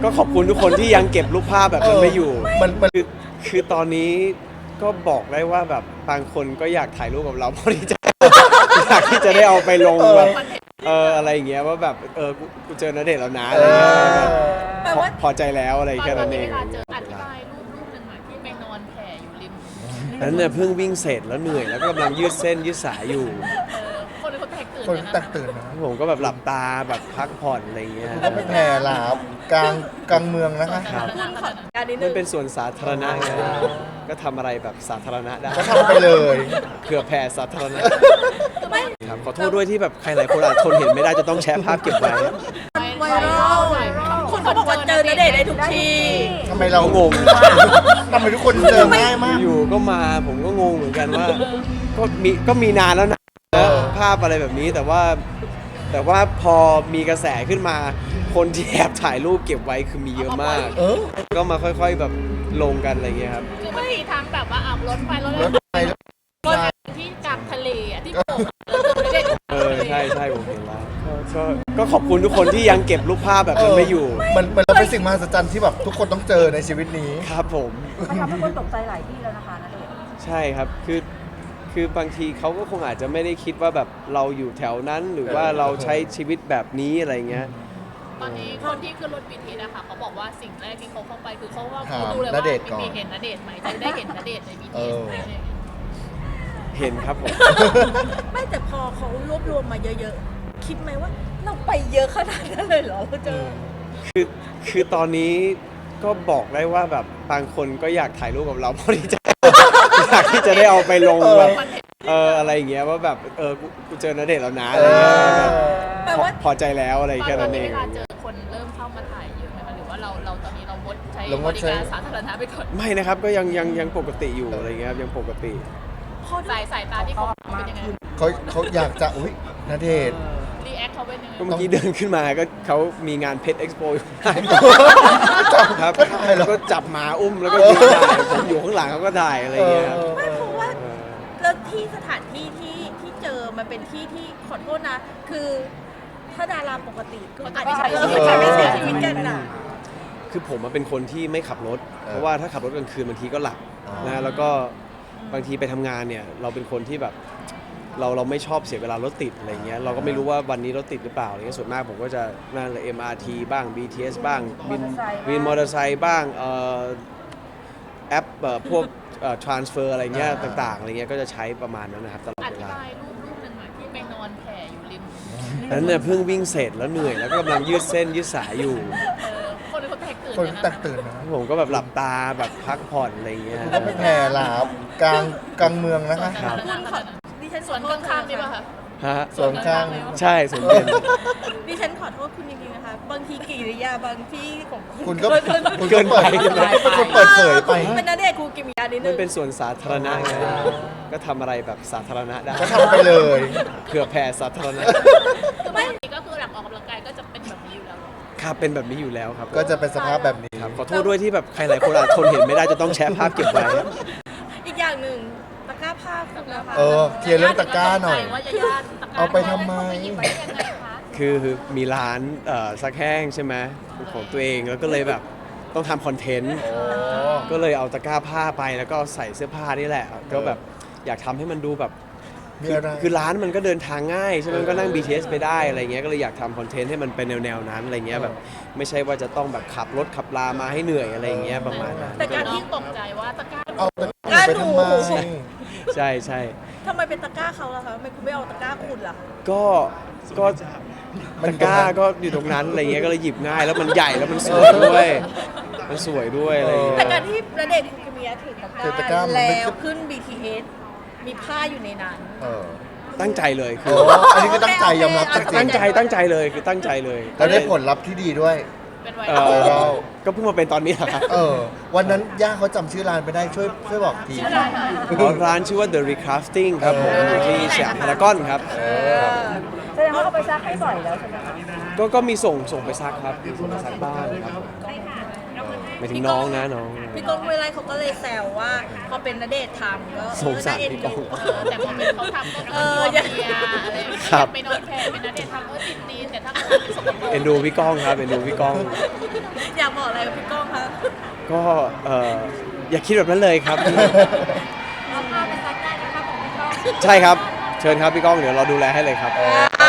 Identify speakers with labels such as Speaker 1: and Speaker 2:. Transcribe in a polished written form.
Speaker 1: ก็ขอบคุณทุกคนที่ยังเก็บรูปภาพแบบนั้นไม่อยู่
Speaker 2: มัน
Speaker 1: คือตอนนี้ก็บอกได้ว่าแบบบางคนก็อยากถ่ายรูปกับเราเพราะที่จะอยากที่จะได้เอาไปลงแบบอะไรอย่างเงี้ยว่าแบบกูเจอณเดชน์แล้วนะอะไรเงี้ยพอใจแล้วอะไรแค่นั้นเอง
Speaker 3: เวลาเจออธิบายรูปหนึ่งอะที่ไปนอนแผ่อยู่ริม
Speaker 1: นั้นเนี่ยเพิ่งวิ่งเสร็จแล้วเหนื่อยแล้วก็กำลังยืดเส้นยืดสายอยู่
Speaker 3: คนเขาแตกตื่น
Speaker 2: คน
Speaker 3: เลย
Speaker 2: แต
Speaker 3: นะ
Speaker 2: กตื่นนะ
Speaker 1: ผมก็แบบหลับตาแบบพักผ่อนอะไรเงี้ย
Speaker 2: ก็ไปแผ่หลาบกลางเมืองนะคะ
Speaker 1: ครับ
Speaker 3: การนี้
Speaker 1: มันเป็นส่วนสาธารณะไงก็ทำอะไรแบบสาธารณะได้
Speaker 2: ก็ทำไปเลย
Speaker 1: เผื่อแผ่สาธารณะครับขอโทษด้วยที่แบบใครหลายคนอาจทนเห็นไม่ได้จะต้องแชร์ภาพเก็บไว้
Speaker 3: ไวรัลคนเขาบอกว่าเจอณเดชน์ได้ทุกที่
Speaker 2: ทำไมเรา
Speaker 1: งง
Speaker 2: ทำไมทุกคนเจอง่ายมาก
Speaker 1: อยู่ก็มาผมก็งงเหมือนกันว่าก็มีนานแล้วนะภาพอะไรแบบนี้แต่ว่าพอมีกระแสขึ้นมาคนที่แอบถ่ายรูปเก็บไว้คือมีเยอะมาก ก็มาค่อยๆแบบลงกันอะไรเงี้ยครับ
Speaker 3: คือมันมีทั้งแบบว่าเอารถไฟรถ
Speaker 2: รถไฟ
Speaker 3: ที่กลางทะเลอะที่โป่งแล้วเจอณเดชน์
Speaker 1: ใช่ผมเห็นแล้วก็ขอบคุณทุกคนที่ยังเก็บรูปภาพแบบนั้นไม่อยู่
Speaker 2: มันเป็นสิ่งมหัศจรรย์ที่แบบทุกคนต้องเจอในชีวิตนี้
Speaker 1: ครับผม
Speaker 4: มันทำให้คนตกใจหลายที่แล้วนะคะณเดชน์
Speaker 1: ใช่ครับคือบางทีเขาก็คงอาจจะไม่ได้คิดว่าแบบเราอยู่แถวนั้นหรือว่าเราใช้ชีวิตแบบนี้อะไรเงี้ย
Speaker 3: ตอนนี้คนที่ขึ้นรถ BTS นะคะเขาบอกว่าสิ่งแรกที่เขาเข้าไปคือเขาว่า
Speaker 2: ถาม
Speaker 3: เขาดูเลยว่า
Speaker 2: ณเดชน์ก่อน
Speaker 3: มีเห็นณเดชน์ไหมจะได้เห็นณเดชน์ใน BTS ไหมอะไรอย่างเงี้ย
Speaker 1: เห็นครับผม
Speaker 5: ไม่แต่พอเขารวบรวมมาเยอะๆ คิดไหมว่าเราไปเยอะขนาดนั้นเลยเหรอเราเจอ
Speaker 1: คือตอนนี้ก็บอกได้ว่าแบบบางคนก็อยากถ่ายรูปกับเราเพราะที่จะอยากที่จะได้เอาไปลงแบบอะไรอย่างเงี้ยว่าแบบกูเจอณเดชน์แล้วนะอะไรเงี้ย
Speaker 5: แปลว่า
Speaker 1: พอใจแล้วอะไรแค่
Speaker 3: ต
Speaker 1: นั้
Speaker 3: อน
Speaker 1: นเอ
Speaker 3: นี้
Speaker 1: ง
Speaker 3: เวลาเจอคนเริ่มเข้ามาถ่ายเยอะไหมคะหรือว่าเราตอนนี้เรางดใช้
Speaker 2: เราง
Speaker 3: บ
Speaker 2: ด
Speaker 3: ริ
Speaker 2: ใช้
Speaker 3: การสาธารณะไปก่อน
Speaker 1: ไม่นะครับก็ยังปกติอยู่อะไรเงี้ยครับยังปกติ
Speaker 3: สายตาที่เขาเป็นยังไง
Speaker 2: เขาอยากจะอุ้ยณเดชน์
Speaker 3: รีแอคเขาเป็นยังไง
Speaker 1: ก็เมื่อกี้เดินขึ้นมาก็เขามีงานเพชรเอ็กซ์โปอยู่ครับ
Speaker 2: ก็ถ่ายเหรอ
Speaker 1: ก็จับหมาอุ้มแล้วก็ยืนถ่ายผมอยู่ข้างหลังเขาก็ถ่ายอะไรเงี้ยครับ
Speaker 5: ไม่เพราะว่าแล้วที่สถานที่ที่เจอมันเป็นที่ที่ขอโทษนะ คือถ้าดาราปกติก็อาจจะใช้ชีวิตกันน่ะ
Speaker 1: คือผมเป็นคนที่ไม่ขับรถ เพราะว่าถ้าขับรถกลางคืนบางทีก็หลับนะแล้วก็บางทีไปทำงานเนี่ยเราเป็นคนที่แบบเราไม่ชอบเสียเวลารถติดอะไรเงี้ยเราก็ไม่รู้ว่าวันนี้รถติดหรือเปล่าอะไรเงี้ยส่วนมากผมก็จะนั่งเลย MRT บ้าง BTS บ้างวินมอเตอร์ไซค์บ้างแอปพวกtransfer อะไรเงี้ยต่างๆอะไรเงี้ยก็จะใช้ประมาณนั้นนะครับตลอด
Speaker 3: อ
Speaker 1: เว
Speaker 3: ธิ
Speaker 1: ลา
Speaker 3: บายรูปหนึ่งอะที่ไปนอนแผ่อยู่ริม
Speaker 1: นั้นเนี่ยเพิ่งวิ่งเสร็จแล้วเหนื่อยแล้วก็กำลังยืดเส้นยืดสายอยู่
Speaker 3: คนเขาแตกตื่น
Speaker 2: คน
Speaker 3: เลยนะ
Speaker 2: แตกตื่นนะ
Speaker 1: ผมก็แบบหลับตาแบบพักผ่อนอะไรเงี้ย
Speaker 2: ก็ไปแผ่หลาบกลางเมืองนะคะ
Speaker 1: ครับ
Speaker 5: ดิฉัน
Speaker 3: สวนข้างๆนี่ป่ะคะ
Speaker 1: ฮะ
Speaker 2: ส่วนข้าง
Speaker 1: ใช่สวนเป็น
Speaker 5: ดิฉันขอโทษคุณจริงๆนะคะ บางทีกิริยาบางที่ของ
Speaker 2: คุณก็
Speaker 1: เกินไป
Speaker 2: คุณเปิดเผยไป
Speaker 5: เป็นณเดชน์คูกิมิยานิดนึ
Speaker 1: มัน
Speaker 5: ง
Speaker 1: เป็นส่วนสาธารณะไงก็ทำอะไรแบบสาธารณะได้
Speaker 2: ก็ทำไปเลย
Speaker 1: เผื่อแผ่สาธารณะ
Speaker 3: คือไม่ก็คือหลังออกกำลังกายก็จะเป็นแบบนี้อยู่แล้ว
Speaker 1: ครับเป็นแบบนี้อยู่แล้วครับ
Speaker 2: ก็จะเป็นสภาพแบบนี้
Speaker 1: ครับขอโทษด้วยที่แบบใครหลายคนอาจทนเห็นไม่ได้จะต้องแชร์ภาพเก็บไว้
Speaker 5: อีกอย่างหนึ่งตะกร้าผ้าคุณนะคะ
Speaker 2: เคลียร์เรื่องตะกร้าหน่อย
Speaker 3: ว่าญาติตะกร้า
Speaker 2: เอาไปทำไม
Speaker 3: เขาปหยิบไปได้ยังไงคะ
Speaker 1: คือมีร้านซักแห้งใช่ไหมของตัวเองแล้วก็เลยแบบต้องทำคอนเทนต์ก็เลยเอาตะกร้าผ้าไปแล้วก็ใส่เสื้อผ้านี่แหละก็แบบอยากทำให้มันดูแบบ
Speaker 2: มีอะไร
Speaker 1: คือร้านมันก็เดินทางง่ายใช่ไหมมันก็นั่ง BTS ไปได้อะไรเงี้ยก็เลยอยากทำคอนเทนต์ให้มันเป็นแนวๆนั้นอะไรเงี้ยแบบไม่ใช่ว่าจะต้องแบบขับรถขับลามาให้เหนื่อยอะไรเงี้ยประมาณนั้น
Speaker 3: แต่การที่ตกใจว่าตะกร้า
Speaker 2: เอาตะกร้าไปทำไม
Speaker 1: ใช่ใช่
Speaker 5: ทำไมเป็นตะกร้าเขาล่ะคะทำไมคุณไม่เอาตะกร้าคุณล่ะ
Speaker 1: ก็ตะกร้าก็อยู่ตรงนั้นอะไรเงี้ยก็เลยหยิบง่ายแล้วมันใหญ่แล้วมันสวยด้วยมันสวยด้วยอะไรเงี้ย
Speaker 5: แต่การที่ณเดชน์คูกิมิยะถือ
Speaker 2: ถือ
Speaker 5: ตะ
Speaker 2: ตะ
Speaker 5: ก
Speaker 2: กร้า
Speaker 5: ร้า
Speaker 2: มันไม่
Speaker 5: แล้วขึ้น BTS มีผ้าอยู่ในนั้น
Speaker 1: ตั้งใจเลยคื
Speaker 2: โอ้
Speaker 1: อ
Speaker 2: อันนี้ก็ตั้งใจยอมรับจริง
Speaker 1: ตั้งใจเลยคือตั้งใจเลย
Speaker 2: ๆแล้วได้ผลลัพธ์ที่ดีด้วย
Speaker 3: เป็นไว
Speaker 1: เอ่
Speaker 3: รัล
Speaker 1: อก็เพิ่งมาเป็นตอนนี้แหละครับ
Speaker 2: วันนั้นย่าเขาจำชื่อร้านไปได้ช่วยบอกที
Speaker 1: ร้านชื่อว่า The Recrafting ครับผมอยู่ที่สยามพารากอนครับ
Speaker 4: แสดงว่าเอาไปซักให้บ่อยแล้วใช่ไหมคะ
Speaker 1: ก็มีส่งไปซักครับส่งไปซักบ้างครับผมายถึงน้องนะน้อง
Speaker 5: พี่ก้องห้วยไร่เขาก็เลยแซวว่าพอเป็นณเดชน์ทำก็
Speaker 1: สงสาร
Speaker 5: น่เอ็น
Speaker 1: พี่ก้อง
Speaker 5: ดู
Speaker 3: แต่พอเป็นเขาทำก็คือเมียอะไรอย่างเงี้ย
Speaker 1: ครับ
Speaker 3: ไปนอนแผ่เป็นนัดเดททำติดตีนแต่ถ้าเขาทำเป็นสกปรก
Speaker 1: เอ็นดูพี่ก้องครับเอ็นดูพี่ก้อง
Speaker 5: อยากบอกอะไรกับพี่ก้องคะ
Speaker 1: ก็อย่าคิดแบบนั้นเลยครับ
Speaker 4: เอาภาพไปซักได้นะคะของพี่ก้อง
Speaker 1: ใช่ครับเชิญครับพี่ก้องเดี๋ยวเราดูแลให้เลยครับ
Speaker 5: อ่า